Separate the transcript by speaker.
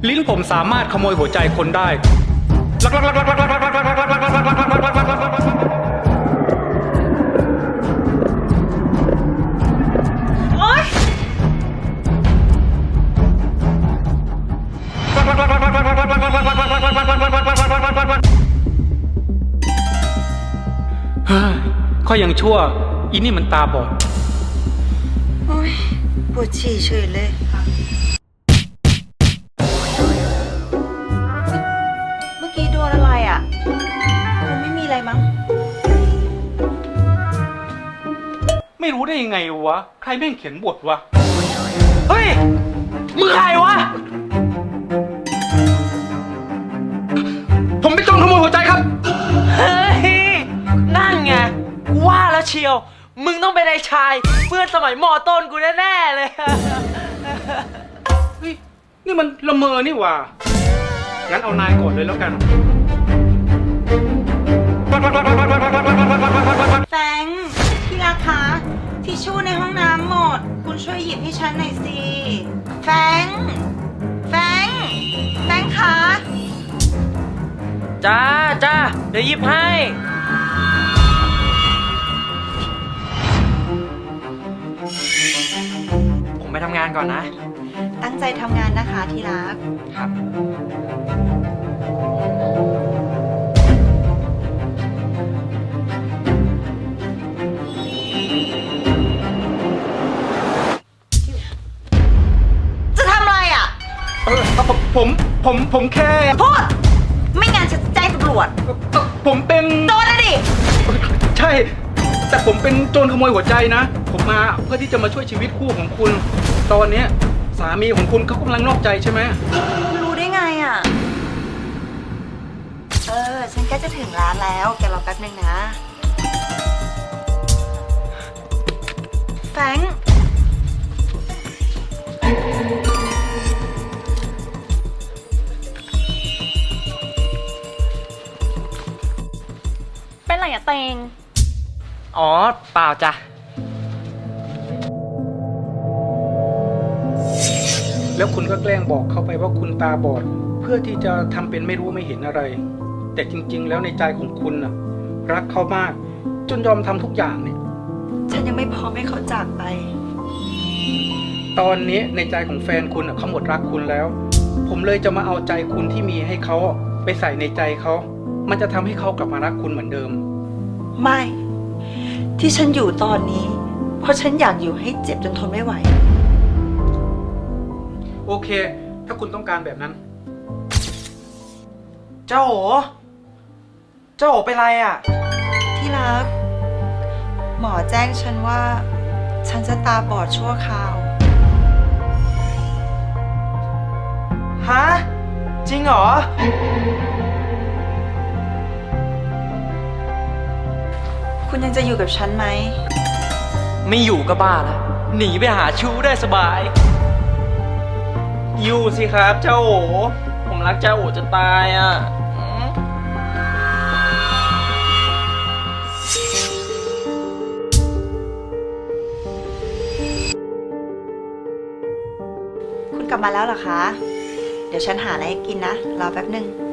Speaker 1: ลิ้นผมสามารถขโมยหัวใจคนได้
Speaker 2: โอ๊ย
Speaker 1: ก็ยังชั่วอีนี่มันตาบอด
Speaker 2: โอ๊ยปวดฉี่เฉยเลยเมื่อกี้โดนอะไรอ่ะคงไม่มีอะไรมั้ง
Speaker 1: ไม่รู้ได้ยังไงวะใครแม่งเขียนบทวะ
Speaker 3: เฮ้ยมึงใครวะ
Speaker 1: ผมเป็นโจรขโมยหัวใจครับ
Speaker 3: เฮ้ยนั่นไงกูว่าแล้วเชียวมึงต้องเป็นไอ้ชายเพื่อนสมัยมอต้นกูแน่ๆเลย
Speaker 1: เฮ้ยนี่มันละเมอนี่หว่างั้นเอานายก่อนเลยแล้วกัน
Speaker 2: แฟงพี่รักคะทิชชู่ในห้องน้ำหมด คุณช่วยหยิบให้ฉันหน่อยสิแฟงแฟงแฟงคะ
Speaker 3: จ้าจ้าเดี๋ยวหยิบให้ผมไปทำงานก่อนนะ
Speaker 2: ตั้งใจทำงานนะคะที่รัก
Speaker 3: ครับ
Speaker 2: จะทำอะไรอ่ะ
Speaker 1: ผมแค่
Speaker 2: พูดไม่งั้นฉันจะแจ้งตำรวจ
Speaker 1: ผมเป็น
Speaker 2: โดนนะดิ
Speaker 1: ใช่ แต่ผมเป็นโจรขโมยหัวใจนะ ผมมาเพื่อที่จะมาช่วยชีวิตคู่ของคุณ ตอนเนี้ยสามีของคุณเขากำลังนอกใจใช่ไหม
Speaker 2: รู้ได้ไงอ่ะ ฉันใกล้จะถึงร้านแล้ว แกรอแป๊บนึงนะ แฟรงค์
Speaker 4: เป็นไรอะเตง
Speaker 3: อ๋อเปล่าจ้ะ
Speaker 1: แล้วคุณก็แกล้งบอกเขาไปว่าคุณตาบอด เพื่อที่จะทำเป็นไม่รู้ไม่เห็นอะไร แต่จริงๆแล้วในใจของคุณน่ะรักเขามาก จนยอมทำทุกอย่างเนี่ย
Speaker 2: ฉันยังไม่พร้อมให้เขาจากไป
Speaker 1: ตอนนี้ในใจของแฟนคุณน่ะเขาหมดรักคุณแล้ว ผมเลยจะมาเอาใจคุณที่มีให้เขาไปใส่ในใจเขา มันจะทำให้เขากลับมารักคุณเหมือนเดิม
Speaker 2: ไม่ ที่ฉันอยู่ตอนนี้ เพราะฉันอยากอยู่ให้เจ็บจนทนไม่ไหว
Speaker 1: โอเค ถ้าคุณต้องการแบบนั้น
Speaker 3: เจ้าโหเจ้าโหเป็นไรอ่ะ
Speaker 2: ที่รัก หมอแจ้งฉันว่า ฉันจะตาบอดชั่วคราว
Speaker 3: ฮะ จริงเหรอ
Speaker 2: คุณยังจะอยู่กับฉันไหม
Speaker 3: ไม่อยู่ก็บ้าละหนีไปหาชู้ได้สบาย อยู่สิครับเจ้าโอผมรักเจ้าโอจะตายอ่ะอืม
Speaker 2: คุณกลับมาแล้วเหรอคะ เดี๋ยวฉันหาอะไรให้กินนะ รอแป๊บนึง